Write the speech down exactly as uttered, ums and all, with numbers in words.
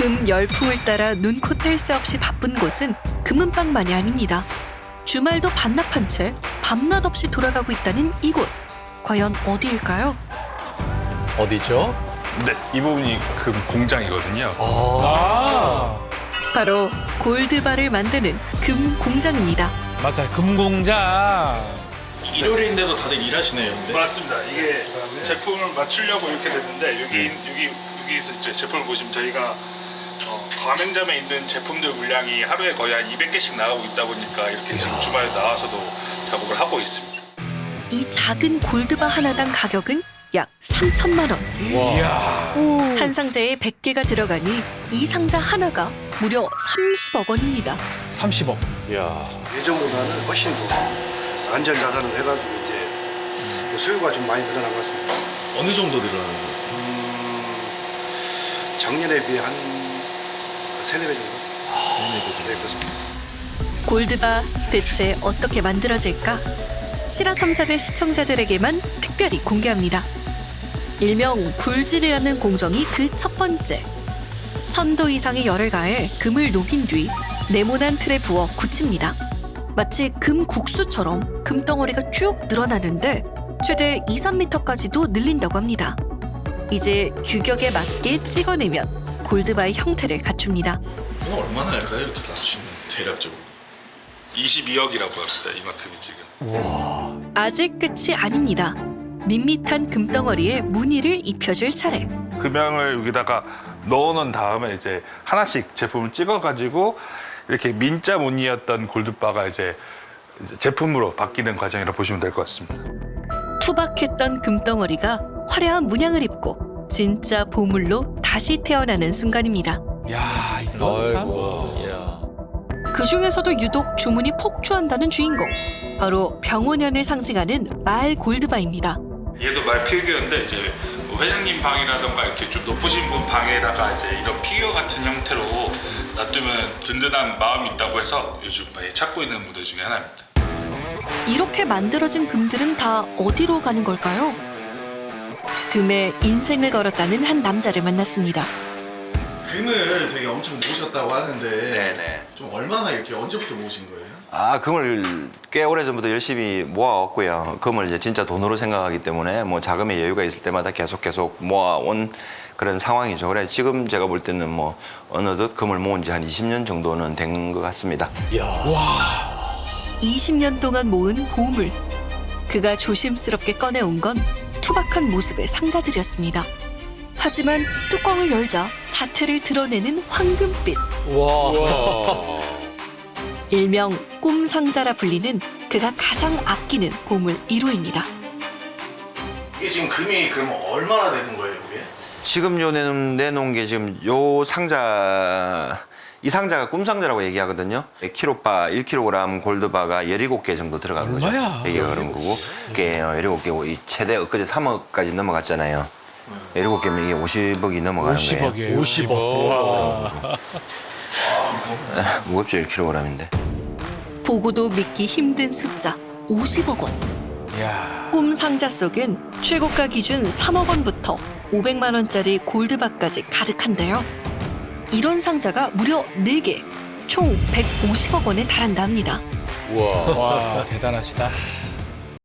금 열풍을 따라 눈코 뗄 새 없이 바쁜 곳은 금은방만이 아닙니다. 주말도 반납한 채 밤낮 없이 돌아가고 있다는 이곳. 과연 어디일까요? 어디죠? 네, 이 부분이 금 공장이거든요. 아, 바로 골드바를 만드는 금 공장입니다. 맞아요. 금공장. 일요일인데도 다들 일하시네요. 근데. 맞습니다. 이게 제품을 맞추려고 이렇게 됐는데 여기 여기 여기서 이제 제품을 보시면 저희가 어, 가맹점에 있는 제품들 물량이 하루에 거의 한 이백 개씩 나가고 있다 보니까 이렇게 지금 주말에 나와서도 작업을 하고 있습니다. 이 작은 골드바 하나당 가격은 약 삼천만 원. 이야. 한 상자에 백 개가 들어가니 이 상자 하나가 무려 삼십억 원입니다. 삼십억. 이야. 예전보다는 훨씬 더 안전 자산을 해가지고 이제 그 수요가 좀 많이 늘어난 것 같습니다. 어느 정도 늘어나는 거예요? 음, 작년에 비해 한 세네 배 정도? 네, 그렇습니다. 골드바 대체 어떻게 만들어질까? 실화탐사대 시청자들에게만 특별히 공개합니다. 일명 굴질이라는 공정이 그 첫 번째. 천도 이상의 열을 가해 금을 녹인 뒤 네모난 틀에 부어 굳힙니다. 마치 금 국수처럼 금덩어리가 쭉 늘어나는데 최대 이, 삼 미터까지도 늘린다고 합니다. 이제 규격에 맞게 찍어내면 골드바의 형태를 갖춥니다. 이거 얼마나 할까요? 이렇게 다 하시면 대략적으로. 이십이억이라고 합니다. 이만큼이 지금. 아직 끝이 아닙니다. 밋밋한 금덩어리에 무늬를 입혀줄 차례. 금양을 여기다가 넣어놓은 다음에 이제 하나씩 제품을 찍어가지고 이렇게 민자 무늬였던 골드바가 이제 이제 제품으로 바뀌는 과정이라 보시면 될 것 같습니다. 투박했던 금덩어리가 화려한 문양을 입고 진짜 보물로 다시 태어나는 순간입니다. 야, 이거 참. 그 중에서도 유독 주문이 폭주한다는 주인공. 바로 병원연을 상징하는 말 골드바입니다. 얘도 말 피규어인데 이제 뭐 회장님 방이라던가 이렇게 좀 높으신 분 방에다가 이제 이런 피규어 같은 형태로 놔두면 든든한 마음이 있다고 해서 요즘 많이 찾고 있는 무대 중에 하나입니다. 이렇게 만들어진 금들은 다 어디로 가는 걸까요? 금에 인생을 걸었다는 한 남자를 만났습니다. 금을 되게 엄청 모으셨다고 하는데 네네. 좀 얼마나 이렇게 언제부터 모으신 거예요? 아, 금을 꽤 오래전부터 열심히 모아왔고요. 금을 이제 진짜 돈으로 생각하기 때문에 뭐 자금의 여유가 있을 때마다 계속 계속 모아온 그런 상황이죠. 그래 지금 제가 볼 때는 뭐 어느덧 금을 모은 지 한 이십 년 정도는 된 것 같습니다. 이십 년 동안 모은 보물. 그가 조심스럽게 꺼내온 건 투박한 모습의 상자들이었습니다. 하지만 뚜껑을 열자 자태를 드러내는 황금빛. 와. 일명 꿈상자라 불리는 그가 가장 아끼는 보물 일 호입니다. 이게 지금 금이 그러면 얼마나 되는 거예요, 이게? 지금 요 내놓은, 내놓은 게 지금 요 상자 이 상자가 꿈상자라고 얘기하거든요. 일 킬로바, 일 킬로그램 골드바가 열일곱 개 정도 들어간 거죠. 얼마야? 이게 그런 거고. 이게 열일곱 개, 이 최대 엊그제 삼억까지 넘어갔잖아요. 열일곱 개면 이게 오십억이 넘어가는 거예요. 오십억이에요. 오십억. 무겁죠, 일 킬로그램인데. 보고도 믿기 힘든 숫자 오십억 원. 이야. 꿈 상자 속엔 최고가 기준 삼억 원부터 오백만 원짜리 골드바까지 가득한데요. 이런 상자가 무려 네 개, 총 백오십억 원에 달한다 합니다. 와, 대단하시다.